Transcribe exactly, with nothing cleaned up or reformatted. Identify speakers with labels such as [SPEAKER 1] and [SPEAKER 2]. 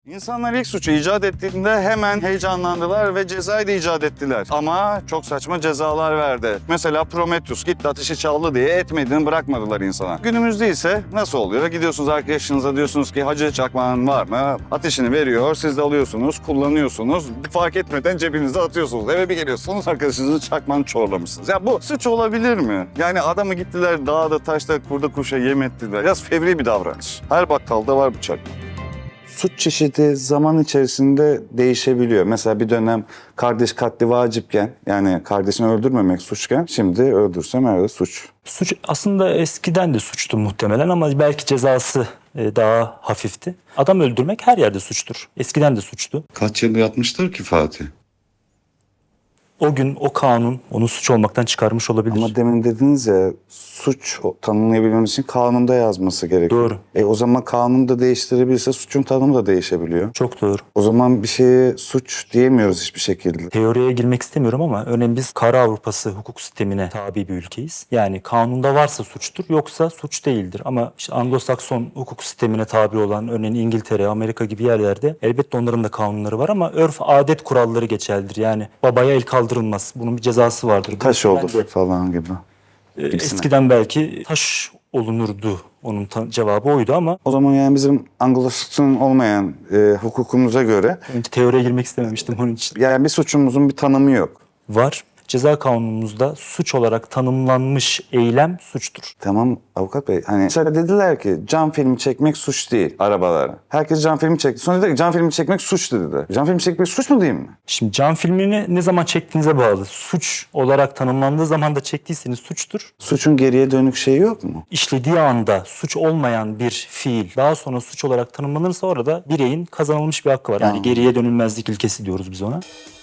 [SPEAKER 1] İnsanlar ilk suçu icat ettiğinde hemen heyecanlandılar ve cezayı da icat ettiler. Ama çok saçma cezalar verdi. Mesela Prometheus gitti ateşi çaldı diye etmediğini bırakmadılar insana. Günümüzde ise nasıl oluyor? Gidiyorsunuz arkadaşınıza diyorsunuz ki Hacı Çakmağın var mı? Ateşini veriyor, siz de alıyorsunuz, kullanıyorsunuz. Fark etmeden cebinize atıyorsunuz. Eve bir geliyorsunuz arkadaşınızın çakmağını çorlamışsınız. Ya bu suç olabilir mi? Yani adamı gittiler dağda taşta kurda kuşa yem ettiler. Biraz fevri bir davranış. Her bakkalda var bıçak. Suç çeşidi zaman içerisinde değişebiliyor. Mesela bir dönem kardeş katli vacipken, yani kardeşini öldürmemek suçken, şimdi öldürsem herhalde suç.
[SPEAKER 2] Suç aslında eskiden de suçtu muhtemelen ama belki cezası e, daha hafifti. Adam öldürmek her yerde suçtur. Eskiden de suçtu.
[SPEAKER 1] Kaç yıl yatmıştır ki Fatih?
[SPEAKER 2] O gün o kanun onu suç olmaktan çıkarmış olabilir.
[SPEAKER 1] Ama demin dediniz ya, suç tanımlayabilmemiz için kanunda yazması gerekiyor.
[SPEAKER 2] Doğru.
[SPEAKER 1] E o zaman kanunu da değiştirebilirse suçun tanımı da değişebiliyor.
[SPEAKER 2] Çok doğru.
[SPEAKER 1] O zaman bir şeye suç diyemiyoruz hiçbir şekilde.
[SPEAKER 2] Teoriye girmek istemiyorum ama örneğin biz Kara Avrupası hukuk sistemine tabi bir ülkeyiz. Yani kanunda varsa suçtur yoksa suç değildir. Ama işte Anglo-Sakson hukuk sistemine tabi olan örneğin İngiltere, Amerika gibi yerlerde elbette onların da kanunları var ama örf adet kuralları geçerlidir. Yani babaya el kaldırılmaz. Bunun bir cezası vardır.
[SPEAKER 1] Taş
[SPEAKER 2] Ben
[SPEAKER 1] olur
[SPEAKER 2] de,
[SPEAKER 1] falan gibi.
[SPEAKER 2] e,
[SPEAKER 1] Gibisine.
[SPEAKER 2] eskiden belki taş olunurdu. Onun ta- cevabı oydu ama
[SPEAKER 1] O zaman yani bizim Anglo-Sakson olmayan e, hukukumuza göre
[SPEAKER 2] önce teoriye girmek istememiştim onun için.
[SPEAKER 1] yani bir suçumuzun bir tanımı yok.
[SPEAKER 2] Var. Ceza kanunumuzda suç olarak tanımlanmış eylem suçtur.
[SPEAKER 1] Tamam avukat bey, hani mesela dediler ki cam filmi çekmek suç değil arabalara. Herkes cam filmi çekti. Sonra dediler ki cam filmi çekmek suç dediler. Cam filmi çekmek suç mu değil mi?
[SPEAKER 2] Şimdi cam filmini ne zaman çektiğinize bağlı. Suç olarak tanımlandığı zaman da çektiyseniz suçtur.
[SPEAKER 1] Suçun geriye dönük şeyi yok mu?
[SPEAKER 2] İşlediği anda suç olmayan bir fiil daha sonra suç olarak tanımlanırsa orada bireyin kazanılmış bir hakkı var. Yani geriye dönülmezlik ilkesi diyoruz biz ona.